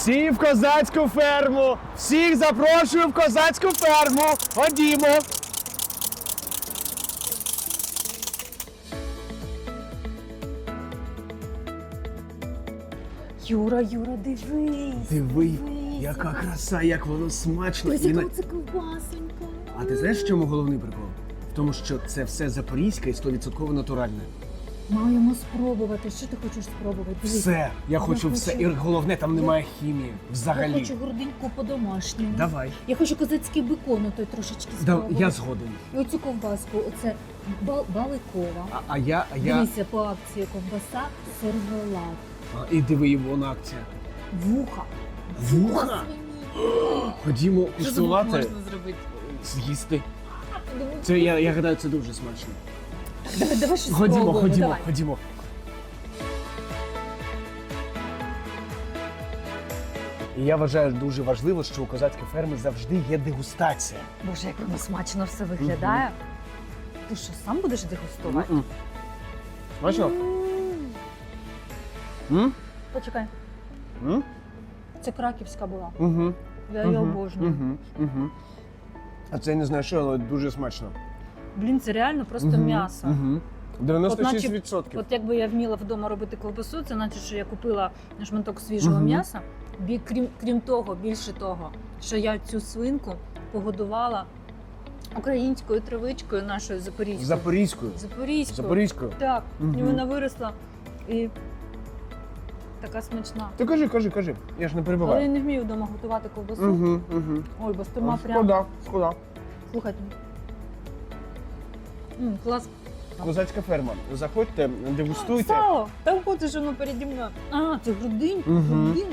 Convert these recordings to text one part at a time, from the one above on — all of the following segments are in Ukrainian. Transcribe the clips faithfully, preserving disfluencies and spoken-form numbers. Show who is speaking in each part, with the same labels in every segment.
Speaker 1: Всі в козацьку ферму! Всіх запрошую в козацьку ферму! Ходімо!
Speaker 2: Юра, Юра, дивись.
Speaker 1: Диви,
Speaker 2: дивись.
Speaker 1: яка краса, як воно смачно.
Speaker 2: Дивись,
Speaker 1: І
Speaker 2: яка
Speaker 1: на-
Speaker 2: це ковбасонька.
Speaker 1: А ти знаєш, в чому головний прикол? В тому, що це все запорізьке і сто відсотків натуральне.
Speaker 2: Маємо спробувати. Що ти хочеш спробувати? Дивись.
Speaker 1: Все, я
Speaker 2: Я
Speaker 1: хочу все.
Speaker 2: хочу-
Speaker 1: І головне, там
Speaker 2: Я-
Speaker 1: немає хімії. Взагалі.
Speaker 2: Я хочу грудиньку по-домашньому.
Speaker 1: Давай.
Speaker 2: Я хочу козацький бекон, той трошечки
Speaker 1: Да,
Speaker 2: спробувати.
Speaker 1: я згоден.
Speaker 2: І оцю ковбаску, оце бал- баликова.
Speaker 1: А, а я, а я...
Speaker 2: Дивися, по акції ковбаса, сервелат,
Speaker 1: А, і диви, його на акція.
Speaker 2: вуха.
Speaker 1: Вуха?
Speaker 2: свині.
Speaker 1: Ходімо
Speaker 2: Що з вух
Speaker 1: куштувати,
Speaker 2: можна зробити?
Speaker 1: з'їсти.
Speaker 2: Думаю,
Speaker 1: Це, я, я гадаю, це дуже смачно.
Speaker 2: Давай, давай щось
Speaker 1: Ходімо,
Speaker 2: спробуємо,
Speaker 1: ходімо,
Speaker 2: давай.
Speaker 1: ходімо. І я вважаю дуже важливо, що у козацькій фермі завжди є дегустація.
Speaker 2: Боже, як воно смачно все виглядає. Ти що, сам будеш дегустувати?
Speaker 1: М-м. Смачно?
Speaker 2: М.
Speaker 1: М?
Speaker 2: Почекай,
Speaker 1: М?
Speaker 2: це краківська була.
Speaker 1: Угу.
Speaker 2: Я її обожнюю.
Speaker 1: Угу. Угу. А це я не знаю що, але дуже смачно.
Speaker 2: Блін, це реально просто
Speaker 1: Мгм.
Speaker 2: м'ясо.
Speaker 1: Угу.
Speaker 2: От
Speaker 1: дев'яносто
Speaker 2: наче-
Speaker 1: шість відсотків.
Speaker 2: От якби я вміла вдома робити ковбасу, це значить, що я купила шматок свіжого
Speaker 1: Мгм.
Speaker 2: м'яса. Бі- Крім, крім того, більше того, що я цю свинку погодувала українською травичкою нашою запорізькою.
Speaker 1: Запорізькою.
Speaker 2: Запорізькою.
Speaker 1: Запорізькою.
Speaker 2: Так, і
Speaker 1: Мгм.
Speaker 2: вона виросла і така смачна.
Speaker 1: Ти кажи, кажи, кажи. Я ж не
Speaker 2: Але я
Speaker 1: перебиваю.
Speaker 2: не вмію вдома готувати ковбасу.
Speaker 1: Угу, угу.
Speaker 2: Ой, бо стома прям.
Speaker 1: Шкода, шкода.
Speaker 2: Слухайте. М, клас.
Speaker 1: Козацька ферма. Заходьте, дегустуйте.
Speaker 2: Сало! Там хочеш воно переді мною. А, це грудинка.
Speaker 1: Мгм.
Speaker 2: Грудинка.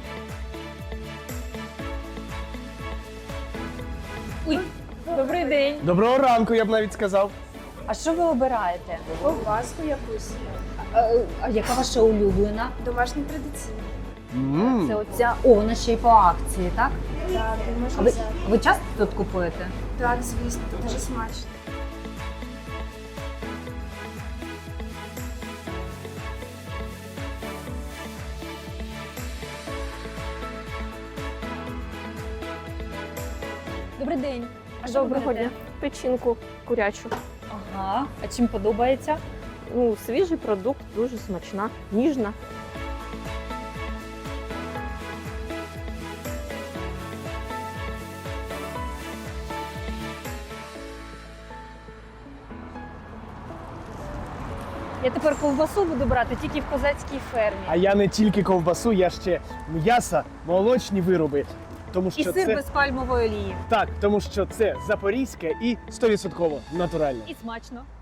Speaker 2: Ой, добрий день.
Speaker 1: Доброго ранку, я б навіть сказав.
Speaker 2: А що ви обираєте?
Speaker 3: Ковбаску якусь.
Speaker 2: А, а яка ваша улюблена?
Speaker 3: Домашній традиційний.
Speaker 1: М.
Speaker 2: Це оця. О, вона ще й по акції, так?
Speaker 3: Так, ти
Speaker 2: А
Speaker 3: можна
Speaker 2: ви,
Speaker 3: взяти.
Speaker 2: ви часто тут купуєте?
Speaker 3: Так, звісно, дуже смачно.
Speaker 2: Добрий день. А що ви
Speaker 4: Доброго
Speaker 2: берете?
Speaker 4: дня. Печінку курячу.
Speaker 2: Ага. А чим подобається?
Speaker 4: Ну, свіжий продукт, дуже смачна, ніжна.
Speaker 2: Я тепер ковбасу буду брати тільки в козацькій фермі.
Speaker 1: А я не тільки ковбасу, я ще м'ясо, молочні вироби. Тому
Speaker 2: І
Speaker 1: що
Speaker 2: сир
Speaker 1: це
Speaker 2: без пальмової олії.
Speaker 1: так, тому що це запорізьке і сто відсотків натуральне.
Speaker 2: І смачно.